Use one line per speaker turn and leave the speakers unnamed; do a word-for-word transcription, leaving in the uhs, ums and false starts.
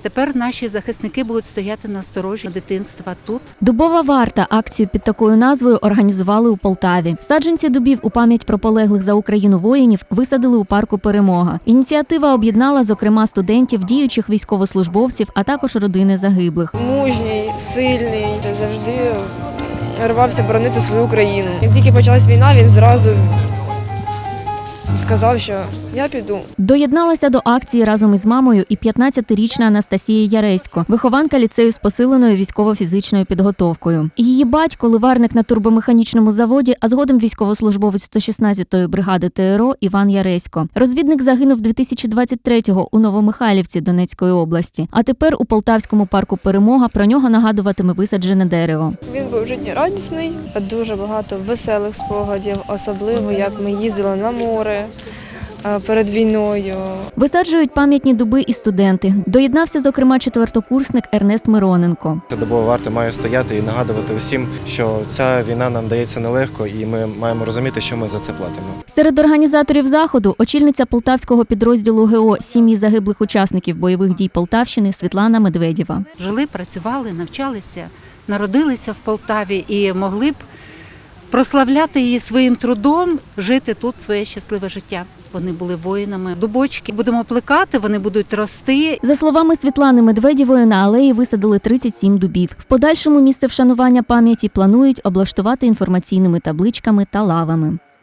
Тепер наші захисники будуть стояти на сторожі дитинства тут.
Дубова варта акцію під такою назвою організували у Полтаві. Саджанці дубів у пам'ять про полеглих за Україну воїнів висадили у парку «Перемога». Ініціатива об'єднала, зокрема, студентів, діючих військовослужбовців, а також родини загиблих.
Мужній, сильний, завжди рвався боронити свою країну. Як тільки почалась війна, він зразу сказав, що я піду.
Доєдналася до акції разом із мамою і п'ятнадцятирічна Анастасія Яресько, вихованка ліцею з посиленою військово-фізичною підготовкою. Її батько – ливарник на турбомеханічному заводі, а згодом військовослужбовець сто шістнадцятої бригади ТРО Іван Яресько. Розвідник загинув дві тисячі двадцять третього у Новомихайлівці Донецької області. А тепер у Полтавському парку «Перемога» про нього нагадуватиме висаджене дерево.
Він був життєрадісний, дуже багато веселих спогадів, особливо як ми їздили на море перед війною.
Висаджують пам'ятні дуби і студенти. Доєднався, зокрема, четвертокурсник Ернест Мироненко.
Дубова варта має стояти і нагадувати усім, що ця війна нам дається нелегко і ми маємо розуміти, що ми за це платимо.
Серед організаторів заходу – очільниця полтавського підрозділу ГО «Сім'ї загиблих учасників бойових дій Полтавщини» Світлана Медведєва.
Жили, працювали, навчалися, народилися в Полтаві і могли б прославляти її своїм трудом, жити тут своє щасливе життя. Вони були воїнами. Дубочки будемо плекати, вони будуть рости.
За словами Світлани Медведєвої, на алеї висадили тридцять сім дубів. В подальшому місце вшанування пам'яті планують облаштувати інформаційними табличками та лавами.